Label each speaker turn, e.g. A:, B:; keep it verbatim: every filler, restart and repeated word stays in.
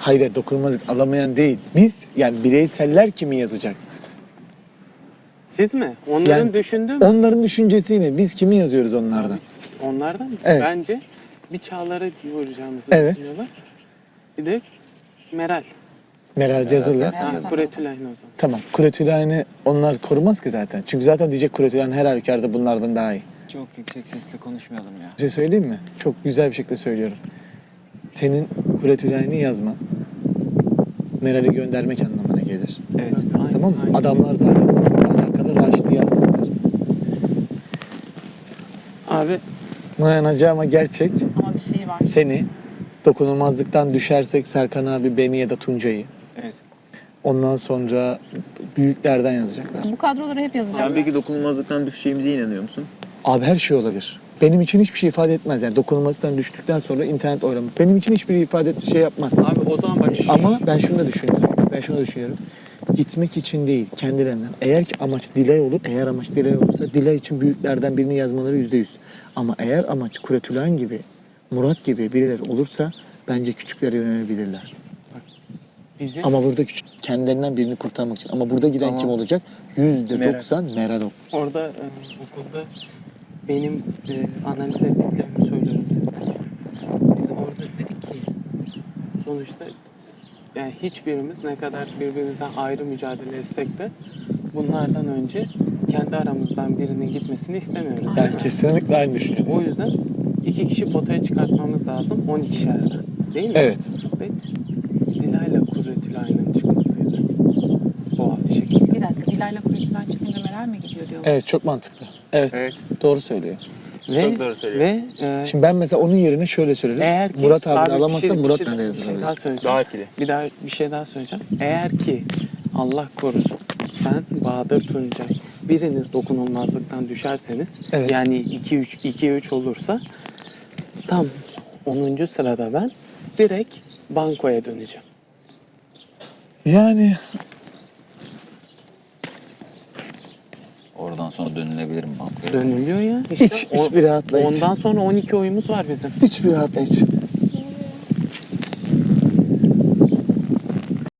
A: Hayır, dokunulmazlık alamayan değil. Biz yani bireyseller kimi yazacak?
B: Siz mi? Onların
A: Yani
B: düşündüğü mü?
A: Onların düşüncesi ne? Biz kimi yazıyoruz onlardan?
B: Onlardan mı?
A: Evet.
B: Bence bir Çağlar'a vuracağımızı
A: Evet.
B: düşünüyorlar. Bir de Meral.
A: Meral yazılı.
B: Tamam, Kuretülay'ın o zaman.
A: Tamam. Kuretülay'ını onlar korumaz ki zaten. Çünkü zaten diyecek Kuretülay'ın her halükarda bunlardan daha iyi.
C: Çok yüksek sesle konuşmayalım ya.
A: Bir şey söyleyeyim mi? Çok güzel bir şekilde söylüyorum. Senin Kuretülay'ını yazman Meral'i göndermek anlamına gelir.
C: Evet.
B: Aynen,
A: Tamam mı?
B: aynen.
A: Adamlar zaten bununla alakalı Raşit'i yazmazlar.
B: Abi
A: Manaca ama gerçek
D: Ama bir şey var.
A: seni dokunulmazlıktan düşersek Serkan abi, beni ya da Tuncay'ı.
C: Evet.
A: Ondan sonra büyüklerden yazacaklar.
D: Bu kadroları hep yazacağım.
E: Sen peki dokunulmazlıktan düşeceğimize inanıyor musun?
A: Abi her şey olabilir. Benim için hiçbir şey ifade etmez. Yani dokunulmazlıktan düştükten sonra internet oylama. Benim için hiçbir ifade et- şey yapmaz.
B: abi o zaman bak şu-
A: Ama ben şunu da düşünüyorum. Ben şunu da düşünüyorum. Gitmek için değil, kendilerinden. Eğer ki amaç Dilay olur, eğer amaç Dilay olursa Dilay için büyüklerden birini yazmaları yüzde yüz. Ama eğer amaç Kuretülen gibi, Murat gibi birileri olursa bence küçüklere yönelebilirler.
B: bizim
A: Ama burada küçük, kendilerinden birini kurtarmak için. Ama burada giden
C: Tamam.
A: kim olacak? Yüzde doksan Meral o.
B: orada e, okulda benim e, analiz ettiklerimi söylüyorum size. Biz orada dedik ki sonuçta yani hiçbirimiz ne kadar birbirimizden ayrı mücadele etsek de bunlardan önce kendi aramızdan birinin gitmesini istemiyoruz. değil
A: Yani
B: mi?
A: kesinlikle aynı düşünüyorum.
B: O yüzden iki kişi potaya çıkartmamız lazım on ikişerden. Değil mi?
A: Evet.
B: Ve Dilay'la Kuretülay'ın çıkmasıydı. Bu şekilde.
D: Bir dakika, Dilay'la Kuretülen çıkınca Meral mi gidiyor diyorlar.
A: Evet, çok mantıklı. Evet,
C: Evet.
A: doğru söylüyor.
B: Ve,
C: Çok doğru söylüyor.
B: Ve e,
A: Şimdi ben mesela onun yerine şöyle söylerim.
B: eğer ki
A: Murat abi,
B: bir
A: alamazsa
B: şey- bir
A: Murat
B: şey-
A: nereye
B: bir şey
A: yazılır?
B: daha söyleyeceğim.
C: Daha etkili.
B: Bir daha bir şey daha söyleyeceğim. Eğer ki Allah korusun sen Bahadır Tuncay biriniz dokunulmazlıktan düşerseniz
A: Evet.
B: yani iki üç iki üç olursa tam onuncu sırada ben direkt bankoya döneceğim.
A: Yani
C: Oradan sonra dönülebilir mi bankaya?
B: Dönülüyor ya. İşte
A: hiç, hiçbir rahatlayıcı.
B: Ondan sonra on iki oyumuz var bizim.
A: Hiçbir rahatlayıcı.